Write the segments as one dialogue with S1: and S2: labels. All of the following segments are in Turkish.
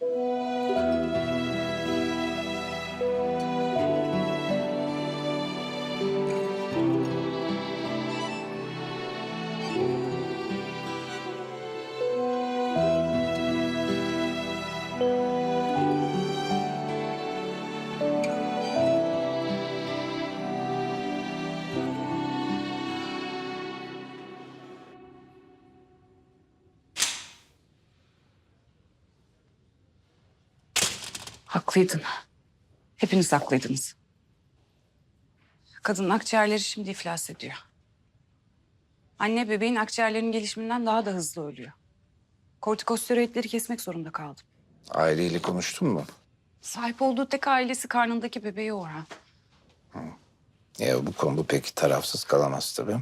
S1: Haklıydın. Hepiniz haklıydınız. Kadının akciğerleri şimdi iflas ediyor. Anne bebeğin akciğerlerinin gelişiminden daha da hızlı ölüyor. Kortikosteroidleri kesmek zorunda kaldım.
S2: Aileyle konuştun mu?
S1: Sahip olduğu tek ailesi karnındaki bebeği Orhan.
S2: Bu konuda pek tarafsız kalamaz tabii.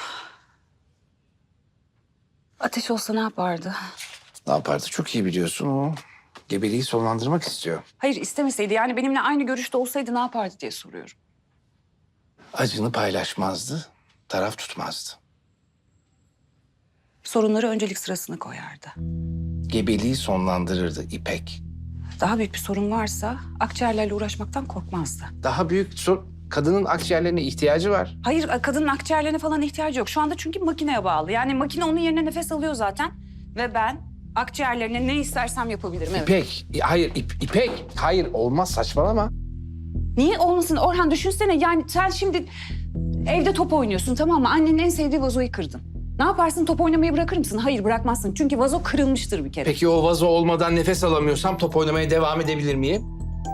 S1: Ateş olsa ne yapardı?
S2: Ne yapardı çok iyi biliyorsun o. Gebeliği sonlandırmak istiyor.
S1: Hayır istemeseydi yani benimle aynı görüşte olsaydı ne yapardı diye soruyorum.
S2: Acını paylaşmazdı, taraf tutmazdı.
S1: Sorunları öncelik sırasına koyardı.
S2: Gebeliği sonlandırırdı İpek.
S1: Daha büyük bir sorun varsa akciğerlerle uğraşmaktan korkmazdı.
S2: Daha büyük kadının akciğerlerine ihtiyacı var.
S1: Hayır kadının akciğerlerine falan ihtiyacı yok. Şu anda çünkü makineye bağlı. Yani makine onun yerine nefes alıyor zaten. Ve ben akciğerlerine ne istersem yapabilirim. Evet.
S2: İpek, hayır İpek. Hayır olmaz saçmalama.
S1: Niye olmasın Orhan düşünsene yani sen şimdi evde top oynuyorsun tamam mı? Annenin en sevdiği vazoyu kırdın. Ne yaparsın top oynamayı bırakır mısın? Hayır bırakmazsın çünkü vazo kırılmıştır bir kere.
S2: Peki o vazo olmadan nefes alamıyorsam top oynamaya devam edebilir miyim?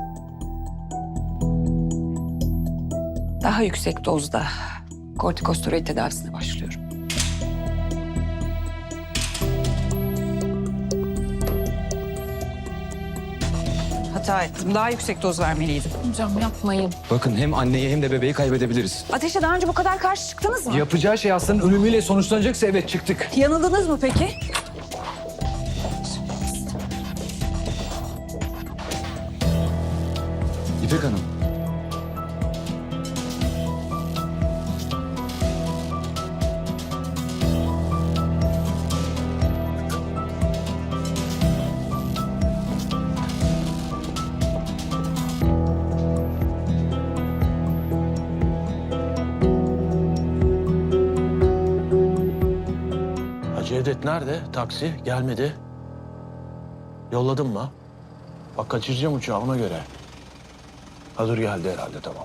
S1: Daha yüksek dozda kortikosteroid tedavisine başlıyorum. Hata ettim. Daha yüksek doz vermeliydim.
S3: Hocam yapmayın.
S4: Bakın hem anneyi hem de bebeği kaybedebiliriz.
S1: Ateşe daha önce bu kadar karşı çıktınız mı?
S4: Yapacağı şey hastanın ölümüyle sonuçlanacaksa evet çıktık.
S1: Yanıldınız mı peki?
S4: İpek Hanım.
S5: Cevdet nerede? Taksi gelmedi. Yolladın mı? Bak kaçıracağım uçağı ona göre. Ha dur geldi herhalde tamam.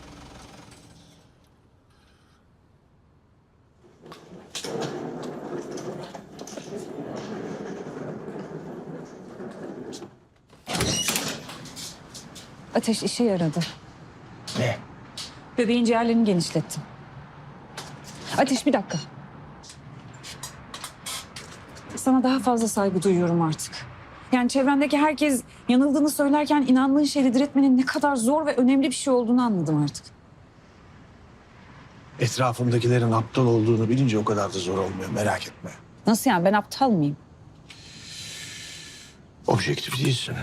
S1: Ateş işe yaradı.
S5: Ne?
S1: Bebeğin ciğerlerini genişlettim. Ateş bir dakika. Sana daha fazla saygı duyuyorum artık. Yani çevrendeki herkes yanıldığını söylerken inandığın şeyi diretmenin ne kadar zor ve önemli bir şey olduğunu anladım artık.
S5: Etrafımdakilerin aptal olduğunu bilince o kadar da zor olmuyor merak etme.
S1: Nasıl yani ben aptal mıyım?
S5: Objektif değilsin.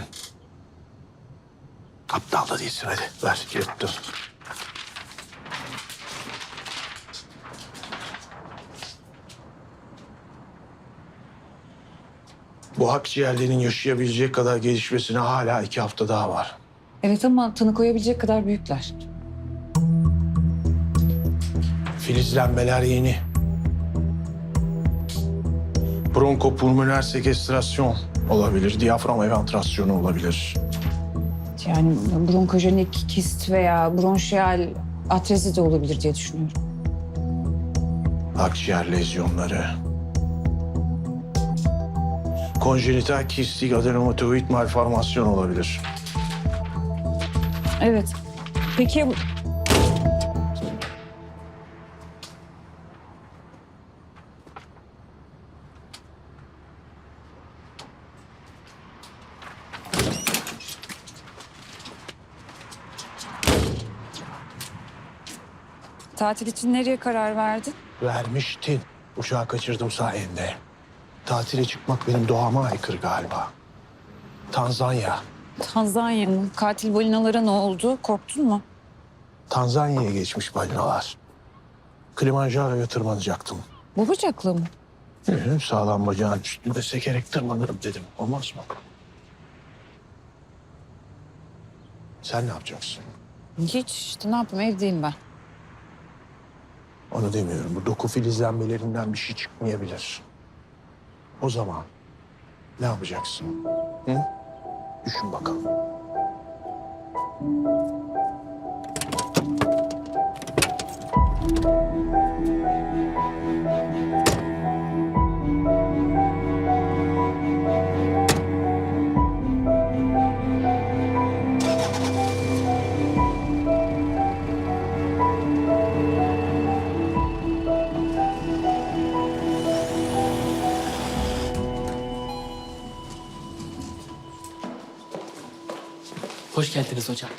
S5: Aptal da değilsin hadi ver girip dur. Bu akciğerlerin yaşayabilecek kadar gelişmesine hala 2 hafta daha var.
S1: Evet ama tanı koyabilecek kadar büyükler.
S5: Filizlenmeler yeni. Bronkopulmoner sekestrasyon olabilir, diyafram eventrasyonu olabilir.
S1: Yani bronkojenik kist veya bronşiyal atrezi de olabilir diye düşünüyorum.
S5: Akciğer lezyonları. Konjenital kistik adenomatoid malformasyon olabilir.
S1: Evet. Peki tatil için nereye karar verdin?
S5: Vermiştin. Uçağı kaçırdım sayende. Tatile çıkmak benim doğama aykırı galiba. Tanzanya.
S1: Tanzanya mı? Katil balinalara ne oldu? Korktun mu?
S5: Tanzanya'ya geçmiş balinalar. Kilimanjaro'ya tırmanacaktım.
S1: Bu bıçakla mı?
S5: Sağlam bacağın üstünde sekerek tırmanırım dedim. Olmaz mı? Sen ne yapacaksın?
S1: Hiç işte ne yapayım evdeyim ben.
S5: Onu demiyorum. Bu doku filizlenmelerinden bir şey çıkmayabilir. O zaman ne yapacaksın? Hı? Düşün bakalım.
S3: Hoş geldiniz hocam.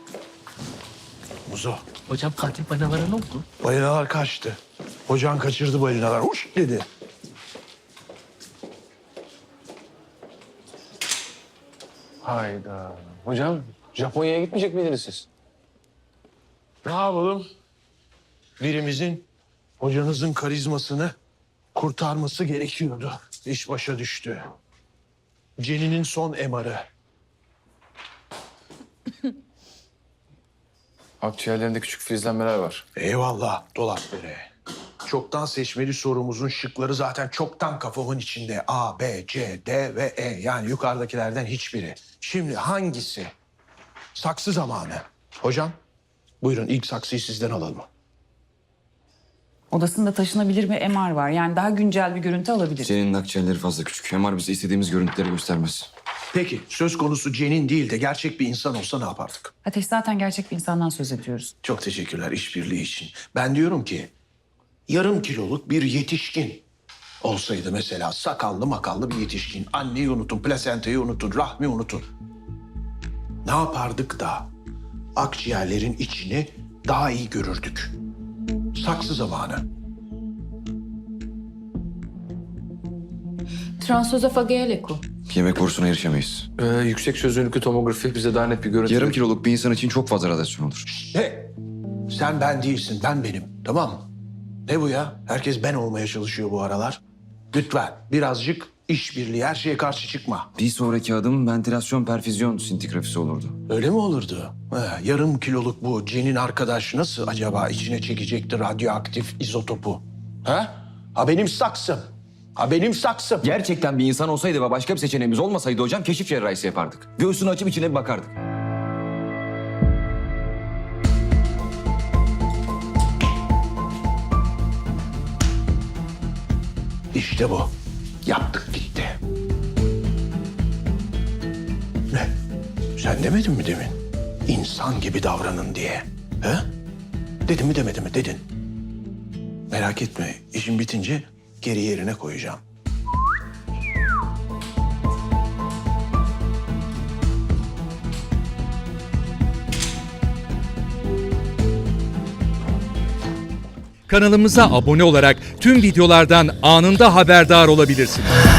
S5: Muzo,
S3: Hocam katil balinalara ne oldu?
S5: balinalar kaçtı. Hocan kaçırdı balinalar. Uş dedi.
S2: Hayda. Hocam Japonya'ya gitmeyecek miydiniz siz?
S5: Ne yapalım? Birimizin hocanızın karizmasını kurtarması gerekiyordu. İş başa düştü. Jenny'nin son MR'ı.
S2: Akciğerlerinde küçük filizlenmeler var.
S5: Eyvallah dolap bere. Çoktan seçmeli sorumuzun şıkları zaten çoktan kafamın içinde. A, B, C, D ve E. Yani yukarıdakilerden hiçbiri. Şimdi hangisi? Saksı zamanı. Hocam, buyurun ilk saksıyı sizden alalım.
S1: Odasında taşınabilir bir MR var. Yani daha güncel bir görüntü alabiliriz.
S4: Senin akciğerleri fazla küçük. MR bize istediğimiz görüntüleri göstermez.
S5: Peki, söz konusu Cen'in değil de gerçek bir insan olsa ne yapardık?
S1: Ateş zaten gerçek bir insandan söz ediyoruz.
S5: Çok teşekkürler işbirliği için. Ben diyorum ki yarım kiloluk bir yetişkin olsaydı mesela sakallı makallı bir yetişkin. Anneyi unutun, plasentayı unutun, rahmi unutun. Ne yapardık da akciğerlerin içini daha iyi görürdük? Saksı zamanı.
S6: Transözofageal eko.
S4: Yemek borusuna erişemeyiz.
S2: Yüksek çözünürlüklü tomografi bize daha net bir görüntü...
S4: Yarım kiloluk bir insan için çok fazla radyasyon olur.
S5: He, sen ben değilsin, ben benim. Tamam mı? Ne bu ya? Herkes ben olmaya çalışıyor bu aralar. Lütfen birazcık işbirliği, her şeye karşı çıkma.
S4: Bir sonraki adım ventilasyon perfüzyon sintigrafisi olurdu.
S5: Öyle mi olurdu? Yarım kiloluk bu Cen'in arkadaş nasıl acaba içine çekecekti radyoaktif izotopu? Ha benim saksım. Ha benim saksım.
S4: Gerçekten bir insan olsaydı ve başka bir seçeneğimiz olmasaydı hocam keşif cerrahisi yapardık. Göğsünü açıp içine bir bakardık.
S5: İşte bu. Yaptık gitti. Ne? Sen demedin mi demin? İnsan gibi davranın diye. He? Dedim mi demedi mi? Dedin. Merak etme. İşin bitince geri yerine koyacağım.
S7: Kanalımıza abone olarak tüm videolardan anında haberdar olabilirsiniz.